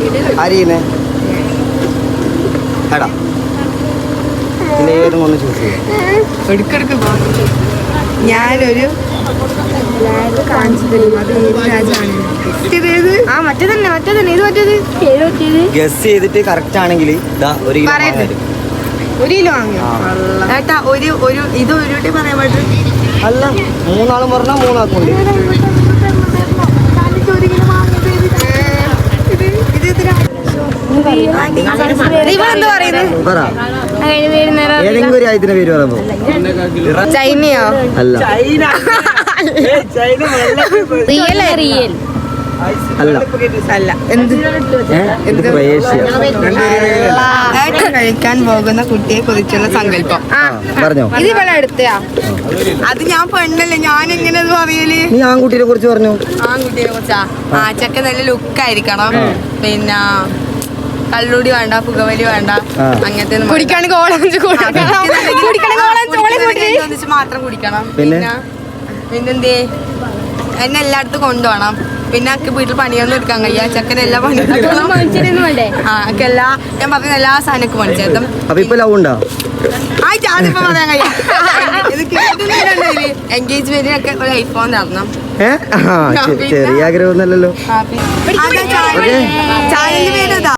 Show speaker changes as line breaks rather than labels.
ആരെയുന്നേ എടാ ഏതും ഒന്ന് ചൂസ് ചെയ്യാം.
എടുക്കെടുക്ക് ഞാനൊരു
ഗസ് ചെയ്തിട്ട് കറക്റ്റ് ആണെങ്കിൽ ഒരു
കിലോ വാങ്ങിയോ ഏട്ടാ? ഇത് ഒരു പറയാൻ പറ്റും.
അല്ല, 3 ആളും പറഞ്ഞാൽ 3 ആക്കുണ്ട്. ഏതെങ്കിലും ഒരു ആയതിന്റെ പേര് പറയുമ്പോ
ചൈനയോ?
അല്ല
അല്ല എന്ത് കഴിക്കാൻ പോകുന്ന കുട്ടിയെ കുറിച്ചുള്ള സങ്കല്പം
പറഞ്ഞോ?
ഇത് ഇവിടെ എടുത്തയാ? അത് ഞാൻ പെണ്ണല്ലേ, ഞാൻ എങ്ങനെ അത് പറയല്?
നീ ആൺകുട്ടിയെ കുറിച്ച് പറഞ്ഞു.
ആൺകുട്ടിയെ കുറിച്ചാ? ആ ചെക്ക നല്ല ലുക്കായിരിക്കണം, പിന്നെ കള്ളുടി വേണ്ട, പുകവലി വേണ്ട, അങ്ങനത്തെ മാത്രം കുടിക്കണം. പിന്നെന്തേ എന്നെ എല്ലായിടത്തും കൊണ്ടുപോകണം. പിന്നെ എനിക്ക് വീട്ടിൽ പണിയൊന്നും എടുക്കാൻ കഴിയാ. ചെക്കൻ എല്ലാ പണിയും ഞാൻ പറഞ്ഞ എല്ലാ സാധനമൊക്കെ പണിച്ചേർത്തും. അതിപ്പോ പറയാൻ കഴിയാ. എൻഗേജ്മെന്റിനൊക്കെ ഒരു ഐഫോൺ തരണം.
ചെറിയ ആഗ്രഹമൊന്നുമല്ലല്ലോ.
ചാനലിന്റെ പേര്